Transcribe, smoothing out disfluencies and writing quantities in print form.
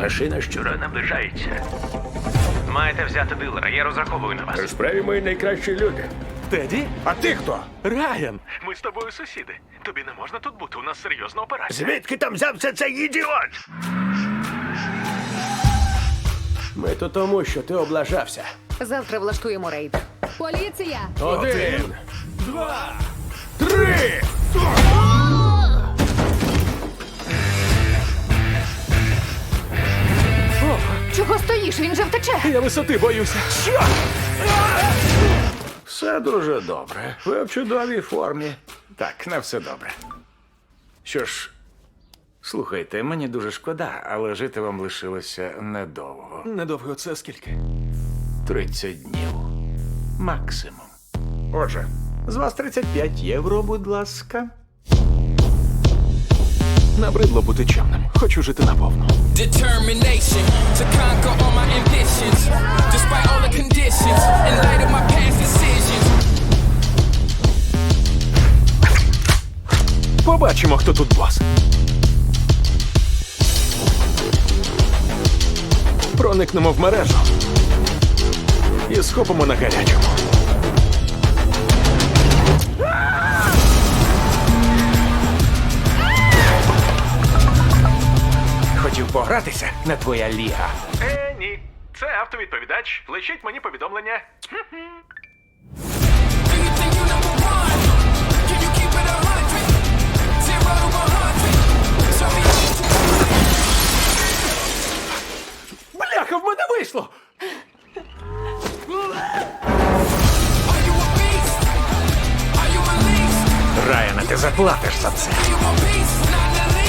Машина щура наближається. Маєте взяти дилера, я розраховую на вас. У справі мої найкращі люди. Теді? А ти хто? Райан! Ми з тобою сусіди. Тобі не можна тут бути, у нас серйозна операція. Звідки там взявся цей ідіот? Ми тут тому, що ти облажався. Завтра влаштуємо рейд. Поліція! 1, 2, 3! Чого стоїш? Він же втече! Я висоти боюся. Все дуже добре. Ви в чудовій формі. Так, не все добре. Що ж, слухайте, мені дуже шкода, але жити вам лишилося недовго. Недовго це скільки? 30 днів. Максимум. Отже, з вас 35 євро, будь ласка. Набридло бути чемним. Хочу жити наповну. Determination to conquer all my ambitions, despite all the conditions, in light of my past decisions. Побачимо, хто тут бос. Проникнемо в мережу і схопимо на гарячому. Хотів погратися, не твоя ліга. Ні. Це автовідповідач. Лишіть мені повідомлення. Do you think you number one? Can you keep it 100? 0 to 100. Show me Бляха, в мене вийшло! Are you a beast? Are you a least? Райане, ти заплатиш за це. Are you a beast? Not in the least.